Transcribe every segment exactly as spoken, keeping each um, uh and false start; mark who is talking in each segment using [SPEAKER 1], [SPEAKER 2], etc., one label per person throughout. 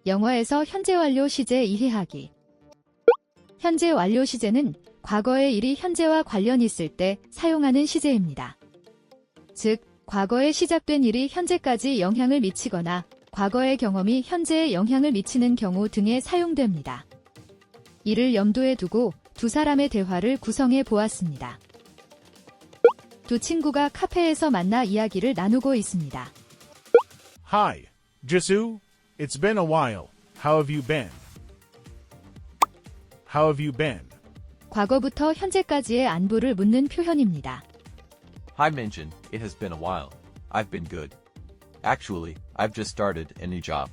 [SPEAKER 1] 영어에서 현재 완료 시제 이해하기. 현재 완료 시제는 과거의 일이 현재와 관련 있을 때 사용하는 시제입니다. 즉, 과거에 시작된 일이 현재까지 영향을 미치거나 과거의 경험이 현재에 영향을 미치는 경우 등에 사용됩니다. 이를 염두에 두고 두 사람의 대화를 구성해 보았습니다. 두 친구가 카페에서 만나 이야기를 나누고 있습니다.
[SPEAKER 2] Hi, Jisoo. It's been a while. How have you been? How have you been?
[SPEAKER 1] 과거부터 현재까지의 안부를 묻는 표현입니다.
[SPEAKER 3] Hi Minjin, it has been a while. I've been good. Actually, I've just started a new job.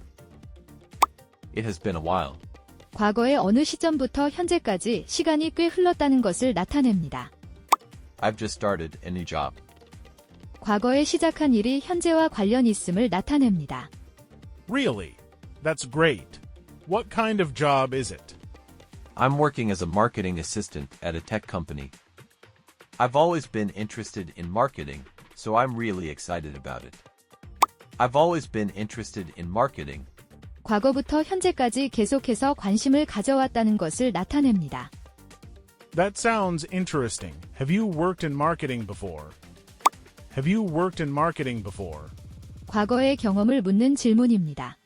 [SPEAKER 3] It has been a while.
[SPEAKER 1] 과거의 어느 시점부터 현재까지 시간이 꽤 흘렀다는 것을 나타냅니다.
[SPEAKER 3] I've just started a new job.
[SPEAKER 1] 과거에 시작한 일이 현재와 관련 있음을 나타냅니다.
[SPEAKER 2] Really? That's great. What kind of job is it?
[SPEAKER 3] I'm working as a marketing assistant at a tech company. I've always been interested in marketing, so I'm really excited about it. I've always been interested in marketing.
[SPEAKER 1] 과거부터 현재까지 계속해서 관심을 가져왔다는 것을 나타냅니다.
[SPEAKER 2] That sounds interesting. Have you worked in marketing before? Have you worked in marketing before?
[SPEAKER 1] 과거의 경험을 묻는 질문입니다.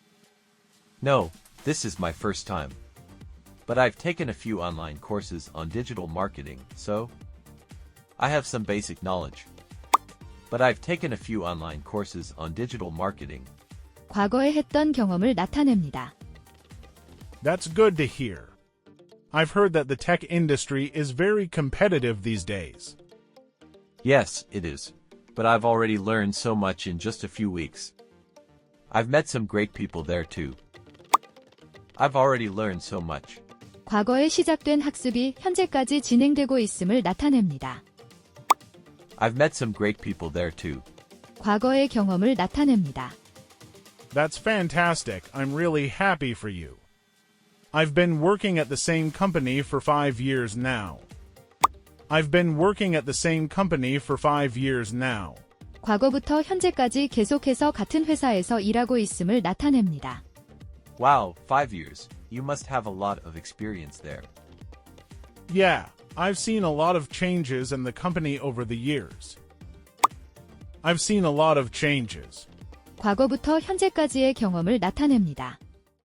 [SPEAKER 3] No, this is my first time. But I've taken a few online courses on digital marketing, so I have some basic knowledge. But I've taken a few online courses on digital marketing.
[SPEAKER 1] 과거에 했던 경험을 나타냅니다.
[SPEAKER 2] That's good to hear. I've heard that the tech industry is very competitive these days.
[SPEAKER 3] Yes, it is. But I've already learned so much in just a few weeks. I've met some great people there too. I've already learned so much.
[SPEAKER 1] 과거에 시작된 학습이 현재까지 진행되고 있음을 나타냅니다.
[SPEAKER 3] I've met some great people there too.
[SPEAKER 1] 과거의 경험을 나타냅니다.
[SPEAKER 2] That's fantastic. I'm really happy for you. I've been working at the same company for five years now. I've been working at the same company for five years now.
[SPEAKER 1] 과거부터 현재까지 계속해서 같은 회사에서 일하고 있음을 나타냅니다.
[SPEAKER 3] Wow, five years. You must have a lot of experience there.
[SPEAKER 2] Yeah, I've seen a lot of changes in the company over the years. I've seen a lot of changes.
[SPEAKER 1] 과거부터 현재까지의 경험을 나타냅니다.